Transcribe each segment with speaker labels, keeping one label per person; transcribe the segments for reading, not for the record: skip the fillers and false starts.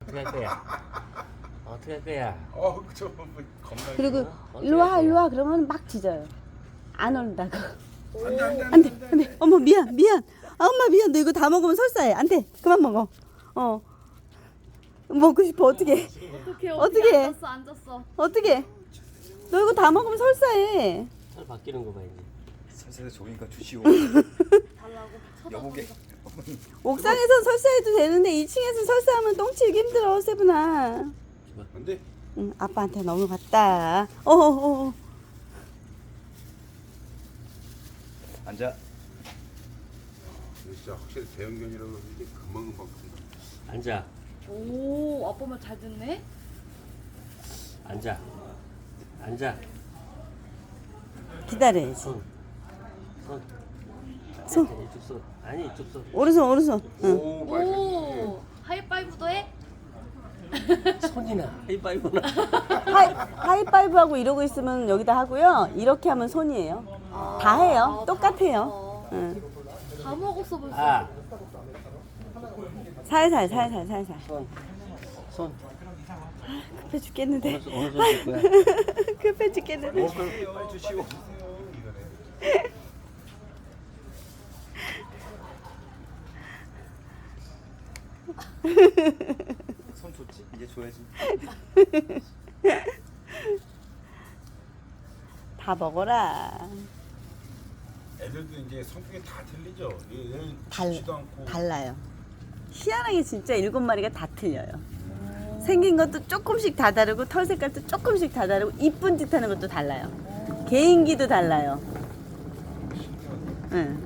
Speaker 1: 어떻게 할 거야? 어떻게 할 거야?
Speaker 2: 저 겁나.
Speaker 3: 그리고
Speaker 1: 어떻게
Speaker 3: 일로 와
Speaker 1: 할
Speaker 3: 일로
Speaker 1: 거야?
Speaker 3: 와 그러면 막 짖어요. 안 온다고.
Speaker 2: 안돼.
Speaker 3: 안돼. 어머 미안. 아 엄마 미안. 너 이거 다 먹으면 설사해. 안돼. 그만 먹어. 먹고 싶어. 어떻게? 어떻게 해?
Speaker 4: 앉았어.
Speaker 3: 어떻게? 너 이거 다 먹으면 설사해.
Speaker 1: 살 바뀌는 거 봐 이제.
Speaker 5: 설사해서 좋으니까 주시오.
Speaker 4: 달라고
Speaker 5: 여보게.
Speaker 3: 옥상에선 설사해도 되는데 2층에서 설사하면 똥치기 힘들어 세분아.
Speaker 2: 안돼.
Speaker 3: 응, 아빠한테 넘어갔다. 어어어.
Speaker 5: 앉아.
Speaker 2: 진짜 확실히 대형견이라고 이게 금방 큰다.
Speaker 1: 앉아.
Speaker 4: 오, 아빠 말 잘 듣네.
Speaker 1: 앉아. 앉아.
Speaker 3: 기다려야지.
Speaker 1: 손.
Speaker 3: 손.
Speaker 1: 이쪽 손. 아니 이쪽 손.
Speaker 3: 오른손. 응.
Speaker 2: 오 맛있어.
Speaker 4: 오, 하이파이브도 해?
Speaker 1: 손이나 하이파이브나.
Speaker 3: 하이파이브하고 이러고 있으면 여기다 하고요. 이렇게 하면 손이에요. 다 해요. 똑같아요. 응.
Speaker 4: 다 먹었어 벌써.
Speaker 1: 아.
Speaker 3: 살살.
Speaker 1: 손. 손.
Speaker 3: 급해 죽겠는데.
Speaker 1: 어느 손줄 거야?
Speaker 3: 급해 죽겠는데.
Speaker 5: 빨리 주시오. 손 줬지? 이제 줘야지.
Speaker 3: 다 먹어라.
Speaker 2: 애들도 이제 성격이 다 틀리죠. 얘는 짖지도 않고.
Speaker 3: 달라요. 희한하게 진짜 7마리가 다 틀려요. 생긴 것도 조금씩 다 다르고 털 색깔도 조금씩 다 다르고 이쁜 짓 하는 것도 달라요. 개인기도 달라요. 응.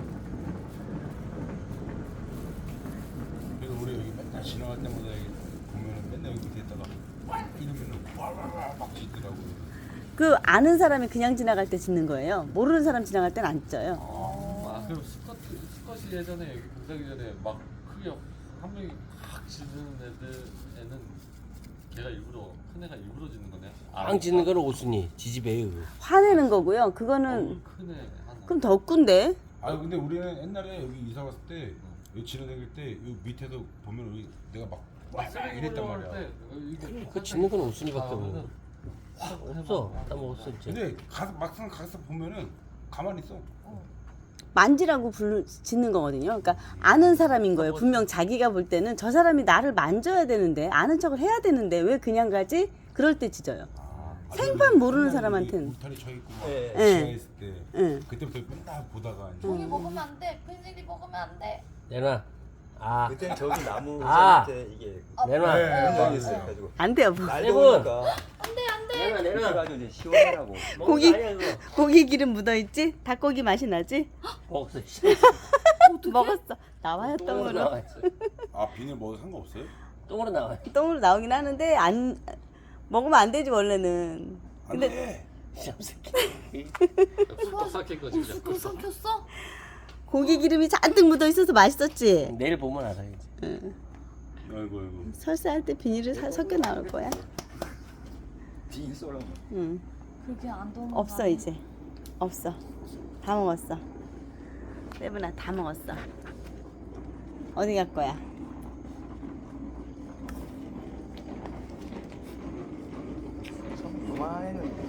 Speaker 2: 그래서 우리 여기 맨날 지나갈 때마다 여기 보면은 맨날 여기 밑에다가 와 이러면은 와막 짖더라고요.
Speaker 3: 그 아는 사람이 그냥 지나갈 때 짖는 거예요. 모르는 사람 지나갈 때는 안 짖어요.
Speaker 6: 아 그럼 스컷이 예전에 여기 공사기 전에 막 크게 한 명이 확 짖는 애는 걔가 일부러 큰 애가 일부러 짖는 거네.
Speaker 1: 빵 짖는 거는 오순이 지지배요.
Speaker 3: 화내는 거고요. 그거는
Speaker 6: 큰 애 하나.
Speaker 3: 그럼 덕군데.
Speaker 2: 아 근데 우리는 옛날에 여기 이사 갔을 때 여기 지나다닐 때 여기 밑에서 보면 여기 내가 막 이랬단 말이야.
Speaker 1: 그 짖는 건 오순이밖에 없는. 없어. 다 먹었어 이제.
Speaker 2: 근데 막상 가서 보면은 가만히 있어.
Speaker 3: 만지라고 짖는 거거든요. 그러니까 아는 사람인 거예요. 분명 자기가 볼 때는 저 사람이 나를 만져야 되는데 아는 척을 해야 되는데 왜 그냥 가지? 그럴 때 짖어요. 생판 모르는 사람한테는.
Speaker 2: 울타리 쳐 있고 막
Speaker 5: 예.
Speaker 2: 지하 있을 때
Speaker 3: 응.
Speaker 2: 그때부터 맨날 보다가 이제
Speaker 4: 종이 먹으면 안 돼. 펜슬이 먹으면 안 돼.
Speaker 1: 내놔. 아.
Speaker 5: 그때는 저기 나무
Speaker 1: 아.
Speaker 5: 밑에 이게
Speaker 1: 내놔.
Speaker 2: 네.
Speaker 5: 있어요. 가지고
Speaker 3: 안 돼요. 뭐.
Speaker 5: 날도
Speaker 1: 세븐.
Speaker 5: 오니까
Speaker 1: 내놔 내놔.
Speaker 5: 그래가지고 이제 시원하라고.
Speaker 3: 고기.
Speaker 1: 아니야 그거.
Speaker 3: 고기 기름 묻어있지? 닭고기 맛이 나지?
Speaker 1: 먹었어.
Speaker 3: 먹었어. 나와요
Speaker 1: 똥으로
Speaker 3: 똥으로.
Speaker 1: 나와 있어.
Speaker 2: 아 비닐 먹어도 상관없어요?
Speaker 1: 똥으로 나와.
Speaker 3: 똥으로 나오긴 하는데 안 먹으면 안 되지 원래는. 근데
Speaker 2: 안돼.
Speaker 1: 쌈새끼.
Speaker 6: 또 삭힌 거지 그냥.
Speaker 4: 또 삼켰어?
Speaker 3: 고기 기름이 잔뜩 묻어 있어서 맛있었지.
Speaker 1: 내일 보면 알아야지.
Speaker 2: 아이고.
Speaker 3: 설사할 때 비닐을 섞여 나올 거야.
Speaker 5: 비닐 쏘라고.
Speaker 3: 응.
Speaker 4: 그렇게 안 도는
Speaker 3: 없어 이제. 없어. 다 먹었어. 세븐아 다 먹었어. 어디 갈 거야?
Speaker 5: 요만해는